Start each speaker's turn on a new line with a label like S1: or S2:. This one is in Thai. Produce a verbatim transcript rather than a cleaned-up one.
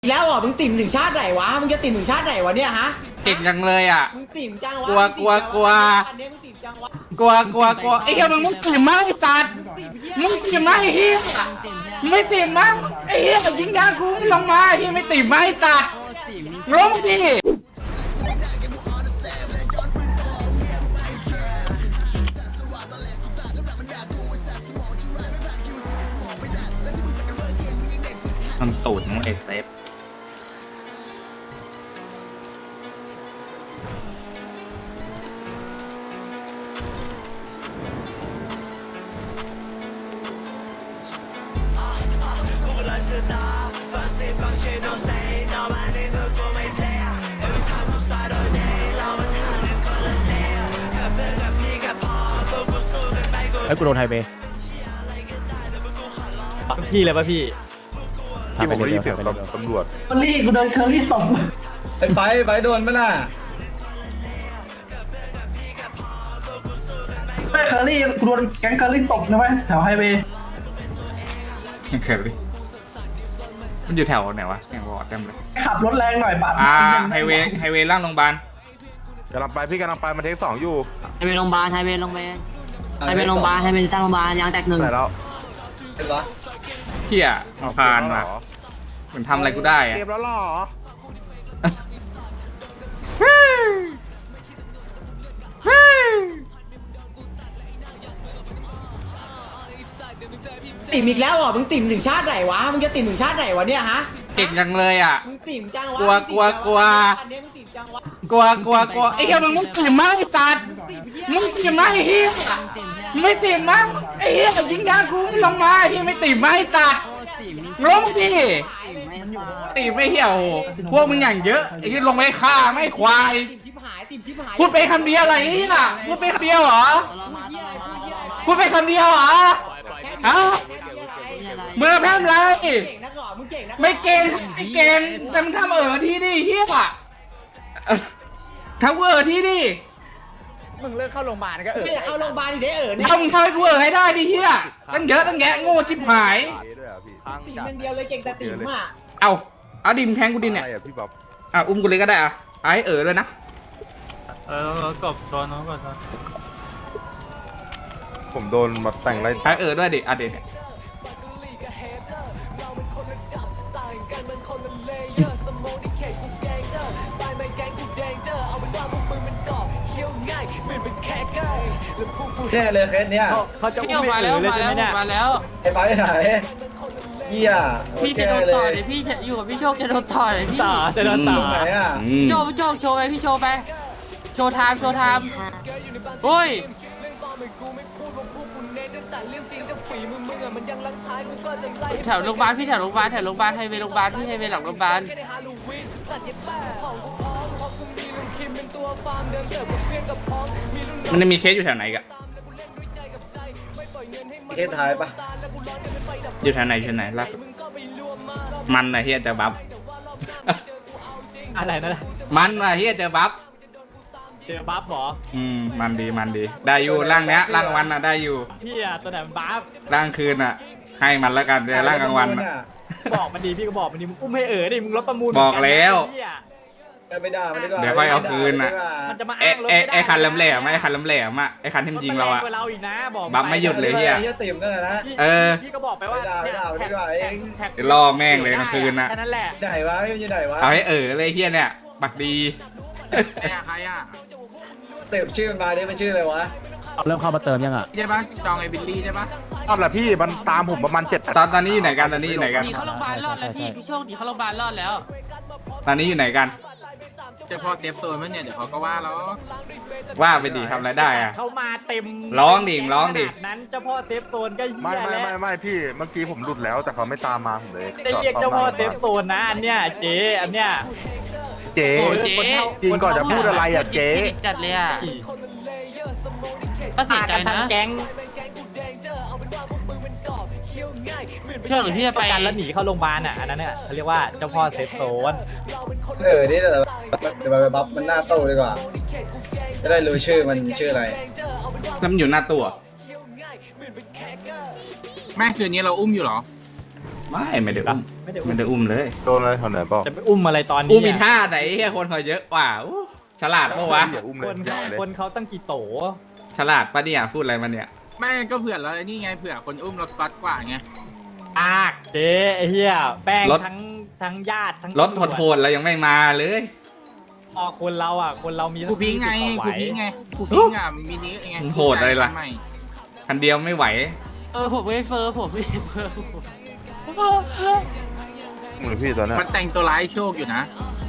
S1: แล้วอ่ะมึงติ่มถึงชาติไหนวะมึงจะติ่มถึงชาติไหนวะเนี่ยฮะ
S2: ติ่มจังเลยอ่ะ
S1: มึงติ่มจังวะ
S2: กลัวกลัวกลัว
S1: อันนี้มึงติ่มจังวะ
S2: กลัวกลัวกลัวไอ้เหี้ยมึงไม่ติ่มมั้งไอ้สัตว์มึงติ่มมั้งไอ้เหี้ยมึงไม่ติ่มมั้งไอ้เหี้ยยิงยากูไม่ลงมาไอ้เหี้ยไม่ติ่มมั้งไอ้สัตว์ลงดิมันตูดมึงเอเซฟ
S3: ไอ้กูโดนไฮเบย์
S4: พี่เลยป่ะพี่
S3: ที่ผมได้ยินเสียงตำรวจ
S5: เคอรี่กูโดนเคอรี่ตบ
S6: ไอ้ไฟไฟโดนไหมล่ะ
S5: ไม่เคอรี่กูโดนแก๊งเคอรี่ตบนะเว้ยแถวไฮเวย์
S2: เคยดิมันอยู่แถวไหนวะเสียงบอกเต็มเลย
S5: ขับรถแรงหน่อยปาด
S2: อ่าไฮเวย์ไฮเวย์ล่างโรงพยาบาล
S3: กำลังไปพี่กำลังไปมาเทคสองอยู่
S7: ไฮเวย์โรงพยาบาลไฮเวย์โรงพยาบาลไฮเวย์โรงพยาบาลไฮเวย์ตั้งโรงพยาบาลยางแตกหนึ่ง
S3: แต่แล้ว
S6: เห็นปะ
S2: เฮียคานว่ะเหมือนทำอะไรกูได้อะ
S3: เตรียมแล้วหรอ
S1: ติ่มอีกแล้วอ่ะมึงติ่มถึงชาติไหนวะมึงจะติ่มถึงชาติไหนวะเนี่ยฮะ
S2: ติ่มจังเลยอ่ะ
S1: มึงติ่มจังวะ
S2: กลัวกลัวกลัว
S1: อันนี้มึงติ่มจังวะ
S2: กลัวกลัวกลัวไอ้เหี้ยมึงไม่ติ่มมั้งไอ้สัตว์มึงติ่มมั้งไอ้เหี้ยมึงไม่ติ่มมั้งไอ้เหี้ยยิงยากูไม่ลงมาไอ้เหี้ยไม่ติ่มมั้งไอ้สัตว์ลงดิติ่มไม่เหี้ยโอ้โหพวกมึงอย่างเยอะไอ้เหี้ยลงไปฆ่าไม่ควาย
S1: ติ่มชิบหายติ่มชิบหาย
S2: พูดไปคำเดียวอะไรเนี่ยพูดไปคำเดียวเหรอ
S7: ตลอมาตลอมาตลอมา
S2: พูดไปคำเดียวเหรอฮะเมื่อแพ้อะไร
S1: เก่งนักหรอมึงเก่งนัก
S2: ไม่เก่งไม่เก่งแต่มึงทำเออที่ดิเฮียอ่ะทำกูเออที่ดิ
S4: มึงเลิกเข้าโรงพยาบาลก็เออ
S1: ไม่เอาโรงพยาบาลดิเด้อเออเนี่ย
S2: เอามึงทำให้กูเออให้ได้ดิเฮียตั้งเยอะตั้งแยะโง่ชิบหาย
S3: เด้วยอ่ะพี่
S1: ติ่มอย่างเดียวเลยเก่งแต่ติ่มอ่ะ
S2: เอาเอาดิมแทงกูดิเนี่ย
S3: อะไรอ่ะพี่บ๊อบ
S2: อ่ะอุ้มกูเลยก็ได้อ่ะไอ้เออเลยนะ
S4: เออกบโดนน้องก่อน
S3: ผมโดนมาแต่งไร
S2: ไอ้เออด้วยดิอ่ะเด็เนี่ย
S6: แน่เลยเคสเนี้ย
S4: เขาจะอุ้มไปเลยใช่ไหมเนี่ย
S7: มาแล้ว
S6: ไอ้ไฟไหนเหี้ย
S7: พี่จะโดนต่อเลยพี่จะอยู่กับพี่โชคจะโดนต่อเลยพี่
S4: ต่อจะโดนต่อ
S6: ตรงไหนอ่ะ
S2: อืม
S7: โชว์พี่โชคโชว์ไปพี่โชว์ไปโชว์ไทม์โชว์ไทม์โอ้ยแถวโรงพยาบาลพี่แถวโรงพยาบาลแถวโรงพยาบาลไฮเวย์โรงพยาบาลพี่ไฮเวย์หลังโรงพยาบาล
S2: มันจะมีเคสอยู่แถวไหนอีกอะ
S6: เคสท้ายปะ
S2: อยู่แถวไหนแถวไหนล่าสุดมันนะเฮียเจอบัฟ
S4: อะไรนั่น
S2: มันนะเฮียเจอบัฟ
S4: เจอบัฟหรอ
S2: อืมมันดีมันดีได้อยู่ร่างเนี้ยร่างวันน่ะได้อยู่
S4: พี่อะตัวไหนมันบัฟ
S2: ร่างคืนอ่ะ ให้มันแล้วกันเดี๋ยวร่างกลางวันอ่ะ
S4: บอกมันดีพี่ก็บอกมันดีมึงอุ้มให้เอ๋อดิมึงลดประมูล
S2: บอกแล้ว
S6: ไม่ได้ไม่ได้
S2: เดี๋ยวค่อยเอาคืนน่ะ
S4: มันจะมา
S2: ไอ้
S4: อ้างรถ
S2: ไอ้
S4: ไม่ได้
S2: ไอ้คันแหลมๆไอ้คันแหลมๆอ่ะไอ้คันที่มันยิงเราอ่ะ
S4: รถมันแรงกว่าเราอีกนะบอก
S2: บัฟไม่หยุดเลย
S6: เฮียติ่มนั่นแหละนะ
S2: เออ
S4: พี่ก็บอกไปว่า
S6: ไม่ได้ไม่ได้ไม่ได้เอง
S2: เดี๋ยวล่อแม่งเลยกลางคืนน่ะ
S4: แค่นั้นแหละ
S6: ไหนวะไม่อยู่ไหนวะ
S2: เอาให้เออเลยเฮียเนี่ยบักดี
S4: ใครอ่ะ
S6: เติมชื่อมันมาดิมันชื่ออะไรวะ
S3: เริ่มเข้ามาเติมยังอ่ะ
S2: ใช่ปะจองไอ้บิลลี่ใช่ปะ
S3: ตอนแหละพี่มันตามผมประมาณเจ็ด
S2: ตอนตอนนี้อยู่ไหนกันตอนนี้อยู่ไหนกัน
S7: หนีเข้าโรงพยาบาลรอดแล้วพี่พี่โชคหนีเข้าโรงพยาบาลรอดแล้ว
S2: ตอนนี้อยู่ไหนกัน
S8: เฉพาะเตรียมตัวมั้ยเนี่ยเดี๋ยวเขาก็ว่าแล้ว
S2: ว่าไปดีทำอะไรได้อ่ะ
S4: เขามาเต็ม
S2: ร้องดิร้องดิ
S4: ขนานั้นเจ้าพ่อเซฟโซนก็เหี้
S3: ไม่
S4: ย
S3: ไม่
S4: แล้ว
S3: ไม่ไม่พี่เมื่อกี้ผมหลุดแล้วแต่เขาไม่ตามมาผมเลย
S4: ได้เรียกเจ้าพ่อเซฟโซนนะอันเนี้ยเจ๊อันเนี้ย
S3: เจ๊
S7: โอ้เจ๊
S3: จริงก่อนจะพูดอะไรอ่ะเจ๊
S7: จัดเลยอ่ะก็เสียใจ
S4: ทั้
S7: นะ
S4: งแก๊ง
S7: เชื่อหรือพี่จะ
S4: ป
S7: ไประ
S4: กันแล้วหนีเข้าโรงพยาบาลอ่ะอันนั้นเนี่ยเขาเรียกว่าเจ้าพ่อเซฟโซน
S6: เออนี่เดี๋ยวเดี๋ยวไปบัฟมันหน้าโต้ดีกว่าจะได้รู้ชื่อมันชื่ออะไร
S2: แล้วมันอยู่หน้าตัว
S8: แม่คืนนี้เราอุ้มอยู่เหรอ
S2: ไม่ไม่ได้อุ้ม
S4: ไม่ได้อุ้
S2: ไม่
S4: ม
S2: ได้อุ้มเลย
S3: โดนอะไรคนไหนบอก
S4: จะไปอุ้มอะไรตอนนี้
S2: อุ้มมีท่าไหนเฮียคนเขาเยอะกว่าอู้ฉลาดปะวะ
S3: อย่าอุ้มเล
S4: ค
S3: ย
S4: น
S3: อย่า
S4: เขา
S3: เลย
S4: คนเขาตั้งกี่โต
S2: ฉลาดปะเนี่ยพูดอะไรมาเนี่ย
S8: ไม่ก็เผื่อเราไอ้นี่ไงเผื่อคนอุ้มเราฟัดกว่าไง
S4: อากเจ๊ไอ้เหี้ยแป้งทั้งทั้งญาติทั้ง
S2: รถโหดๆแล้วยังไม่มาเลย
S4: พอคนเราอ่ะคนเรามี
S8: กูพิงไง
S4: ยี่สิบก
S8: กู
S4: ว่าไหว
S8: พิงไงกูพิงอ่ะมินิไง
S2: โหดอะไรล่ะ
S8: ม่
S2: คันเดียวไม่ไหว
S7: เออผมไม่เฟอร์ผมไม่เฟอร์
S3: มือพี่ตอนนั้น
S8: มันแต่งตัวร้ายโชคอยู่นะ